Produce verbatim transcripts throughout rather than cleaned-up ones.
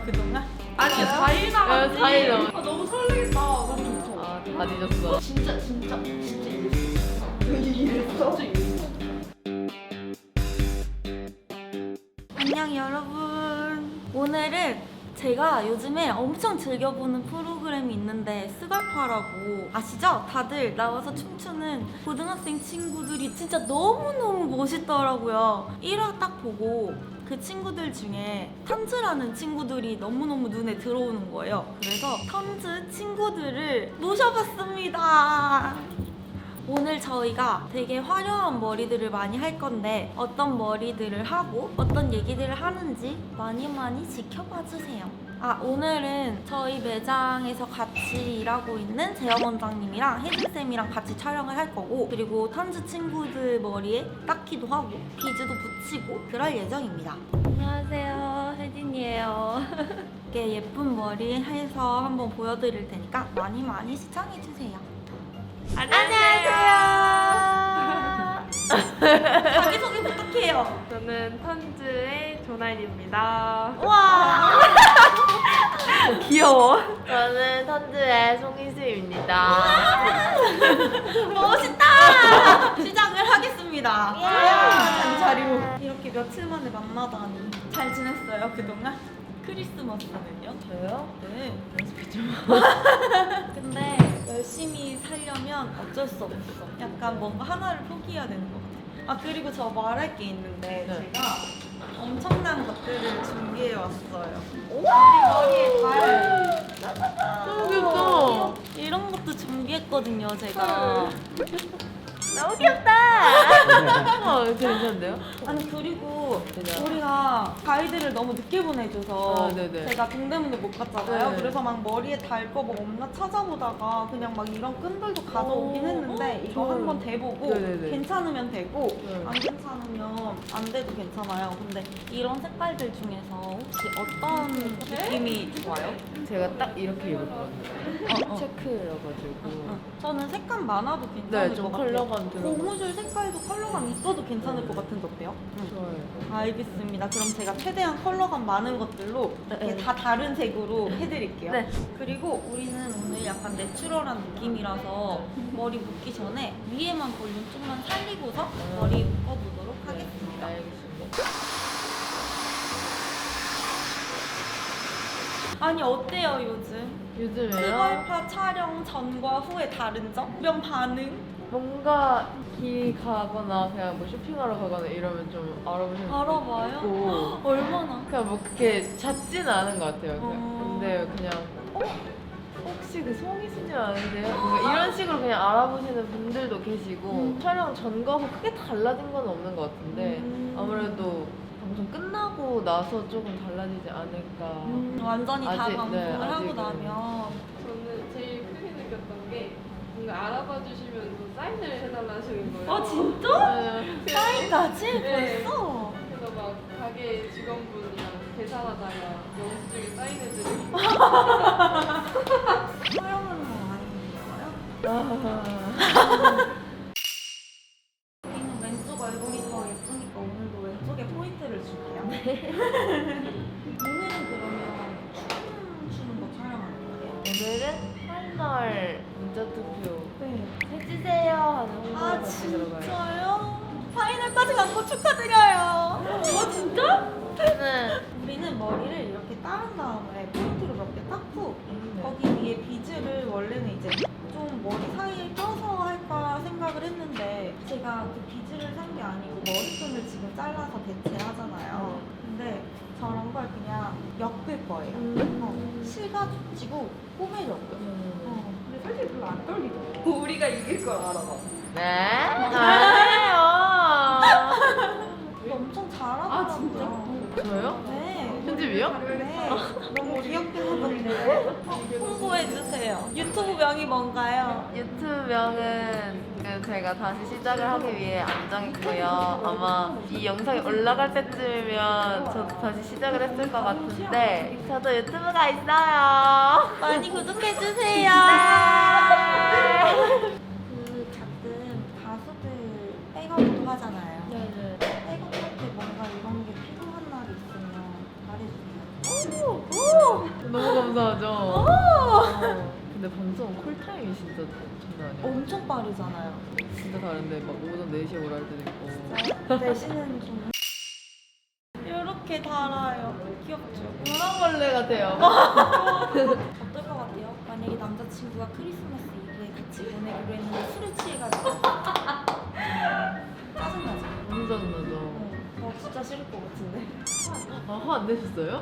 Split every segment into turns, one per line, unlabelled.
그동안?
아니 사 일 남았지.
사 일 남았-
아, 너무 설레겠다. 너무 좋죠.
아, 다 늦었어.
진짜 진짜 진짜 이랬어. 진짜 이랬어.
안녕 여러분. 오늘은 제가 요즘에 엄청 즐겨보는 프로그램이 있는데 스갈파라고 아시죠? 다들 나와서 춤추는 고등학생 친구들이 진짜 너무너무 멋있더라고요. 일 화 딱 보고 그 친구들 중에 턴즈라는 친구들이 너무너무 눈에 들어오는 거예요. 그래서 턴즈 친구들을 모셔봤습니다. 오늘 저희가 되게 화려한 머리들을 많이 할 건데 어떤 머리들을 하고 어떤 얘기들을 하는지 많이 많이 지켜봐 주세요. 아, 오늘은 저희 매장에서 같이 일하고 있는 재영 원장님이랑 혜진쌤이랑 같이 촬영을 할 거고, 그리고 턴즈 친구들 머리에 닦기도 하고 비즈도 붙이고 그럴 예정입니다. 안녕하세요, 혜진이에요. 이렇게 예쁜 머리 해서 한번 보여드릴 테니까 많이 많이 시청해 주세요. 안녕하세요. 자기소개 부탁해요.
저는 턴즈의 조나인입니다.
와. 귀여워.
저는 턴즈의 송희수입니다.
멋있다. 시작을 하겠습니다. 장자리로. 이렇게 며칠 만에 만나다니. 잘 지냈어요 그동안? 크리스마스는요?
저요?
네.
연습이 좀.
근데 열심히 살려면 어쩔 수 없어. 약간 뭔가 하나를 포기해야 되는 것 같아. 아, 그리고 저 말할 게 있는데
네.
제가 엄청난 것들을 준비해 왔어요. 우리 머리에 달.
너무 귀엽다.
이런 것도 준비했거든요, 제가.
너무 귀엽다. 어, 괜찮은데요?
아니, 그리고
그냥.
우리가 가이드를 너무 늦게 보내줘서
아, 네네.
제가 동대문에 못 갔잖아요.
네.
그래서 막 머리에 달 거 뭐 없나 찾아보다가 그냥 막 이런 끈들도 가져오긴
오,
했는데 이거
좋아요.
한번 대보고
네네네.
괜찮으면 되고
네.
안 괜찮으면 안 돼도 괜찮아요. 근데 이런 색깔들 중에서 혹시 어떤 느낌이 좋아요?
제가 딱 이렇게 입었거든요.
어, 어.
체크여가지고.
저는 색감 많아도 괜찮을
네, 좀
것 같아요.
컬러감 들어가.
고무줄 색깔도 컬러감 있어도 괜찮을 것 같은데 어때요?
좋아요.
알겠습니다. 그럼 제가 최대한 컬러감 많은 것들로 이렇게 다 다른 색으로 해드릴게요.
네.
그리고 우리는 오늘 약간 내추럴한 느낌이라서 머리 묶기 전에 위에만 볼륨 좀만 살리고서 머리 묶어보도록 하겠습니다.
알겠습니다.
아니, 어때요 요즘?
요즘에요?
스갈파 촬영 전과 후에 다른 점? 주변 반응?
뭔가 길 가거나 그냥 뭐 쇼핑하러 가거나 이러면 좀 알아보시는 분도
알아봐요?
있고.
얼마나?
그냥 뭐 그렇게 잦지는 않은 것 같아요. 그냥.
어.
근데 그냥 어? 혹시 그 송이수님 아니세요? 뭔가 이런 식으로 그냥 알아보시는 분들도 계시고
음.
촬영 전과 후 크게 달라진 건 없는 것 같은데
음.
아무래도 방송 끝나고 나서 조금 달라지지 않을까.
음, 완전히 다
아직,
방송을
네,
하고
아직은.
나면
저는 제일 크게 느꼈던 게 뭔가 알아봐 주시면 또 사인을 해달라 하시는 거예요.
아, 진짜?
네.
사인까지?
네.
벌써?
그래서 막 가게 직원분이랑 계산하다가 영수증에 사인해드리고.
촬영하는 거 많이 힘들어요?
아.
우리는 왼쪽 얼굴이 더 예쁘니까 오늘도 왼쪽에 포인트를 줄게요. 오늘은 그러면 춤 추는 거 촬영하는 거예요?
오늘은 팔월 문자 투표
네.
해주세요 하는 홍보가
아,
같이 들어가요.
진짜요? 파이널까지 간 거 축하드려요. 어, 진짜?
저는
우리는 머리를 이렇게 따른 다음에 포인트로 몇 개 닦고
네.
거기 위에 비즈를 원래는 이제 좀 머리 사이에 껴서 할까 생각을 했는데 제가 그 비즈를 산 게 아니고 머리끈을 지금 잘라서 대체하잖아요. 근데 저런 걸 그냥 엮을 거예요.
음.
어, 실가 붙이고 꼬매려고요.
음.
어, 근데 솔직히 별로 안 떨리더라고. 우리가 이길 걸 알아봐.
네? 아니에요.
엄청 잘하더라고요.
아, 진짜?
저요?
네.
편집이요?
네. 너무 귀엽게 하던데. 홍보해주세요. 유튜브 명이 뭔가요?
유튜브 명은 지금 제가 다시 시작을 하기 위해 안 정했고요. 아마 이 영상이 올라갈 때쯤이면 저도 다시 시작을 했을 것 같은데 저도 유튜브가 있어요.
많이 구독해주세요.
네.
그 가끔 가수들 백업도 하잖아요.
네네.
백업할 때 뭔가 이런 게 필요한 날이 있으면 말해주세요.
오! 너무 감사하죠. 어. 근데 방송 콜타임이 진짜 장난 아니에요.
엄청 빠르잖아요.
진짜 다른데 막 오전 네 시에 오라 할 때도 있고.
내시는 좀 이렇게 달아요. 귀엽죠?
문어벌레 같아요.
어떨 것 같아요? 만약에 남자친구가 크리스마스 이브에 같이 보내기로 했는데 술에 취해가지고 짜증나죠?
너무 짜증나죠.
어, 나 진짜 싫을 것 같은데.
아, 화 안 내셨어요?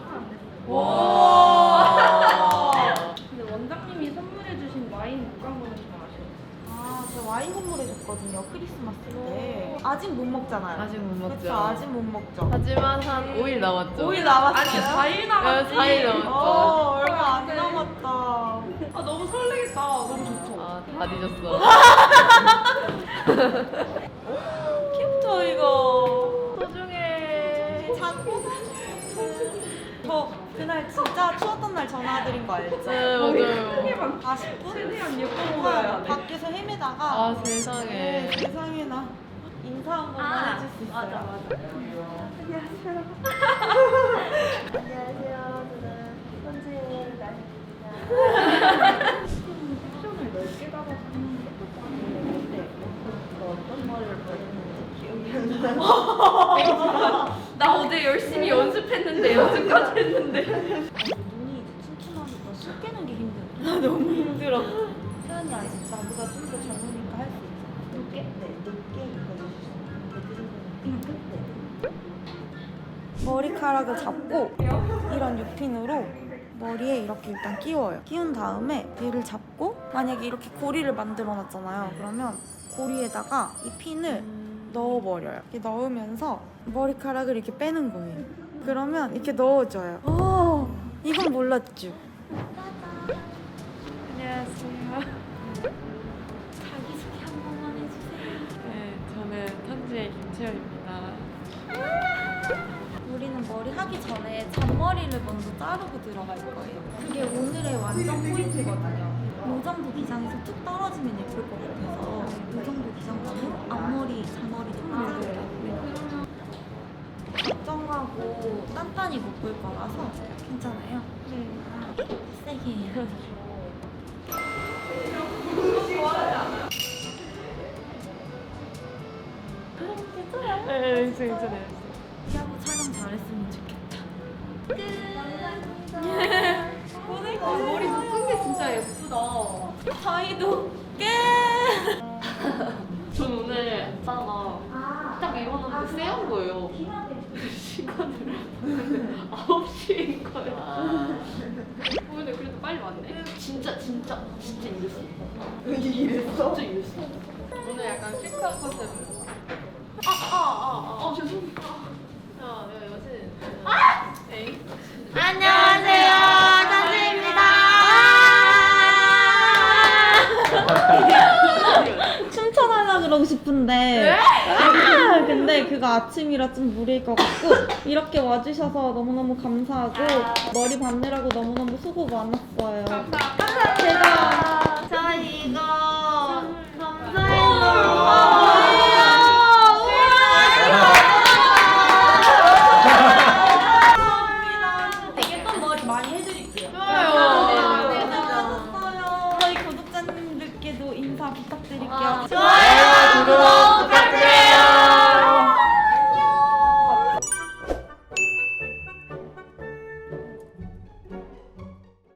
와.
근데 원장님이 선물해주신 와인 물광고는 좀 아쉬워요.
아, 저 와인 선물해줬거든요. 크리스마스 때. 아직 못 먹잖아요.
아직 못 먹죠.
그쵸, 아직 못 먹죠.
하지만 한 오 일 남았죠.
오 일 남았어요?
아니 사 일 남았지.
네, 사 일 남았죠.
어, 얼마 안 남았다.
아 너무 설레겠다. 너무 좋죠.
아, 다 뒤졌어.
귀엽죠, 이거?
소중해.
자꾸 저 그날 진짜 추웠던 날 전화드린 거 알죠?
네, 맞아요.
사십 분?
최대한 예뻐 보여야 돼.
밖에서 헤매다가
아,
네,
세상에.
세상에나 인사 한 번만
아,
해줄 수 있어요?
맞아, 맞아.
안녕하세요. 안녕하세요. 저는 현지의 나입니다.
옵션을 넓게 잡아서 하는 것도 좋은데
어떤 머리를 보였는지 기억이 안 나요.
나 어제 열심히 연습했는데 연습까지 했는데
눈이 이제 튼튼하니까 술 깨는 게 힘들어. 나 너무 힘들어. 세연이 아직 나보다 좀 더 젊으니까 할 수 있어. 늦게? 네, 늦게 입어주시죠. 네. 머리카락을 잡고 이런 유핀으로 머리에 이렇게 일단 끼워요. 끼운 다음에 얘를 잡고 만약에 이렇게 고리를 만들어 놨잖아요. 그러면 고리에다가 이 핀을 넣어버려요. 이렇게 넣으면서 머리카락을 이렇게 빼는 거예요. 그러면 이렇게 넣어줘요. 오, 이건 몰랐죠?
안녕하세요.
자기소개 한 번만 해주세요.
네, 저는 현지의 김채연입니다.
우리는 머리 하기 전에 잔머리를 먼저 자르고 들어갈 거예요. 그게 오늘의 완전 포인트거든요. 이 정도 기장에서 툭 떨어지면 예쁠 것 같아서 이 정도 기장감으로 앞머리, 잔머리 좀 자를게요. 걱정하고 단단히 묶을 거라서 괜찮아요. 네. 세게 해요. 괜찮아요?
네, 괜찮아요.
피아노 촬영 잘했으면 좋겠다. 끝. 오늘
아, 머리 묶은 게 진짜 예쁘다.
저희도 끝.
전 오늘 있다가 딱 일어났는데 쎄한 거예요. 시간을 봤는데 아홉 시인 거예요. 오늘 그래도 빨리 왔네. 진짜 진짜 진짜 이랬어. 이랬어? 진짜 이랬어. 오늘 약간 식사 컨셉으로. 아아아 아, 아, 죄송합니다.
야, 야, 여신.
에이.
안녕하세요, 선지입니다. 춤춰달라 그러고 싶은데 아, 근데 그거 아침이라 좀 무리일 것 같고 이렇게 와주셔서 너무너무 감사하고 머리 받느라고 너무너무 수고 많았어요. 제가
저희 이거
예쁜 머리 많이 해드릴게요.
좋아요.
네, 수고하셨어요. 저희 구독자님들께도 인사 부탁드릴게요.
좋아요.